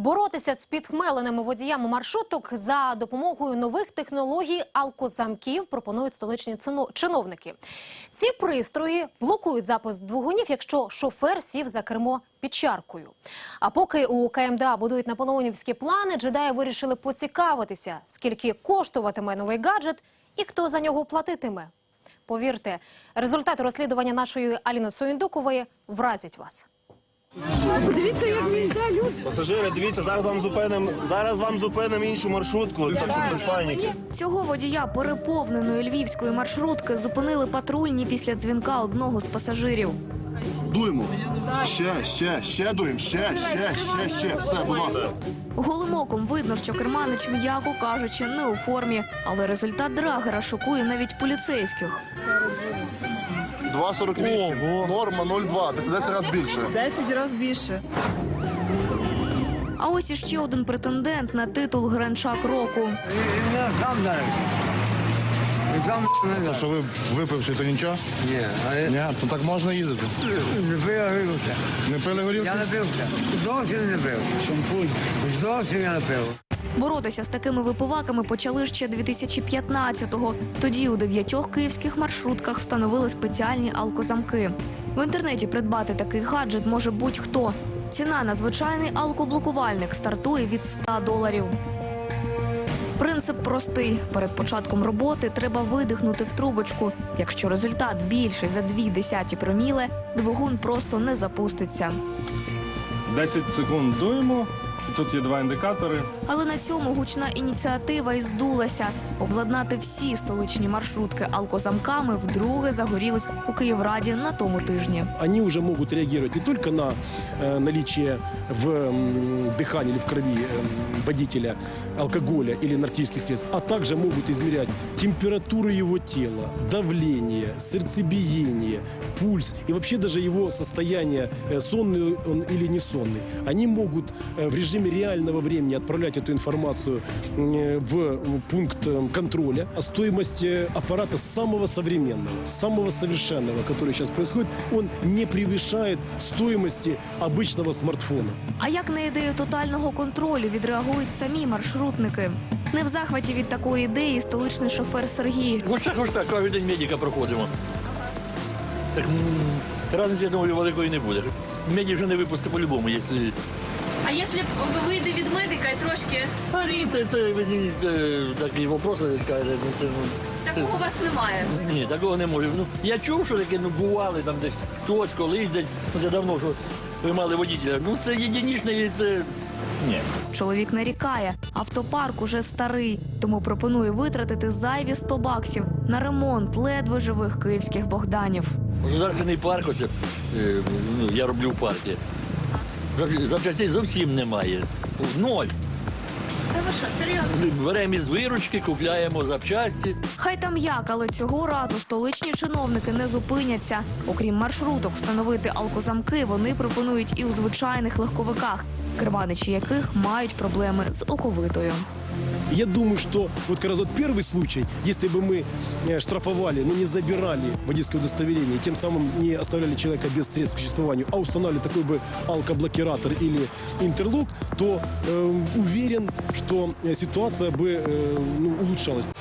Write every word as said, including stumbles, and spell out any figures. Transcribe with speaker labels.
Speaker 1: Боротися з підхмеленими водіями маршруток за допомогою нових технологій алкозамків пропонують столичні чиновники. Ці пристрої блокують запуск двигунів, якщо шофер сів за кермо під чаркою. А поки у ка ем де а будують наполеонівські плани, джедаї вирішили поцікавитися, скільки коштуватиме новий гаджет і хто за нього платитиме. Повірте, результати розслідування нашої Аліни Суєндукової вразять вас.
Speaker 2: Подивіться, як він йде, люди.
Speaker 3: Пасажири, дивіться, зараз вам зупинимо, зараз вам зупинимо іншу маршрутку, так що без паніки.
Speaker 4: Цього водія переповненої львівської маршрутки зупинили патрульні після дзвінка одного з пасажирів.
Speaker 5: Дуємо. Ще, ще, ще дуємо, ще, ще, ще, ще. Все, будь ласка.
Speaker 4: Голим оком видно, що керманич, м'яко кажучи, не у формі. Але результат драгера шокує навіть поліцейських.
Speaker 5: два сорок вісім. Норма нуль два. десять разів більше.
Speaker 2: Десять разів більше.
Speaker 4: А ось іще один претендент на титул Гранчак року.
Speaker 6: Що ви випивши, то нічого?
Speaker 7: Ні, а
Speaker 6: Ні, то так можна їздити.
Speaker 7: не пив, я вивився.
Speaker 6: Не пили горілки?
Speaker 7: Я не пився. Зовсім не пив. Шампунь. Зовсім я не пив.
Speaker 4: Боротися з такими випиваками почали ще дві тисячі п'ятнадцятого. Тоді у дев'ятьох київських маршрутках встановили спеціальні алкозамки. В інтернеті придбати такий гаджет може будь-хто. Ціна на звичайний алкоблокувальник стартує від ста доларів. Принцип простий. Перед початком роботи треба видихнути в трубочку. Якщо результат більший за дві десяті проміле, двигун просто не запуститься.
Speaker 8: десять секунд дуємо. Тут є два індикатори.
Speaker 4: Але на цьому гучна ініціатива і здулася. Обладнати всі столичні маршрутки алкозамками вдруге загорілись у Київраді на тому тижні.
Speaker 9: Они уже могут реагировать не только на э, наличие в э, дыхании или в крови э, водителя алкоголя или наркотических средств, а также могут измерять температуру его тела, давление, сердцебиение, пульс и вообще даже его состояние, э, сонный он или не сонный. Они могут э, в режиме реального времени отправлять эту информацию э, в пункт э, контроля. А стоимость э, аппарата самого современного, самого совершенного, который сейчас происходит, он не превышает стоимости обычного смартфона.
Speaker 4: А як на ідею тотального контролю відреагують самі маршрутники? Не в захваті від такої ідеї столичний шофер Сергій.
Speaker 10: Хоч так, хоч так, кожен день медика проходимо. Так м, разниці, я думаю, великої не буде. Медик вже не випустить по-любому, якщо...
Speaker 4: А якщо вийде від медика і трошки...
Speaker 10: А ні, це, це, це, це такі вопроси, каже, ну, це... Ну,
Speaker 4: Такого у вас немає?
Speaker 10: ні, такого не може. Ну, я чув, що таке, ну, бували там десь хтось, колись десь, ну, це давно, що ви мали водителя. Ну, це єдинічне, це... Ні.
Speaker 4: Чоловік нарікає, автопарк уже старий, тому пропонує витратити зайві сто баксів на ремонт ледве живих київських Богданів.
Speaker 10: Государственний парк, оце, е, ну, я роблю в парку. Зав- Запчастей зовсім немає. Ноль.
Speaker 4: Та ви що, серйозно?
Speaker 10: Беремо із виручки, купляємо запчасті.
Speaker 4: Хай там як, але цього разу столичні чиновники не зупиняться. Окрім маршруток встановити алкозамки, вони пропонують і у звичайних легковиках, керманичі яких мають проблеми з оковитою.
Speaker 9: Я думаю, что вот как раз вот первый случай, если бы мы э, штрафовали, но не забирали водительское удостоверение, и тем самым не оставляли человека без средств к существованию, а устанавливали такой бы алкоблокиратор или интерлок, то э, уверен, что э, ситуация бы э, ну, улучшалась.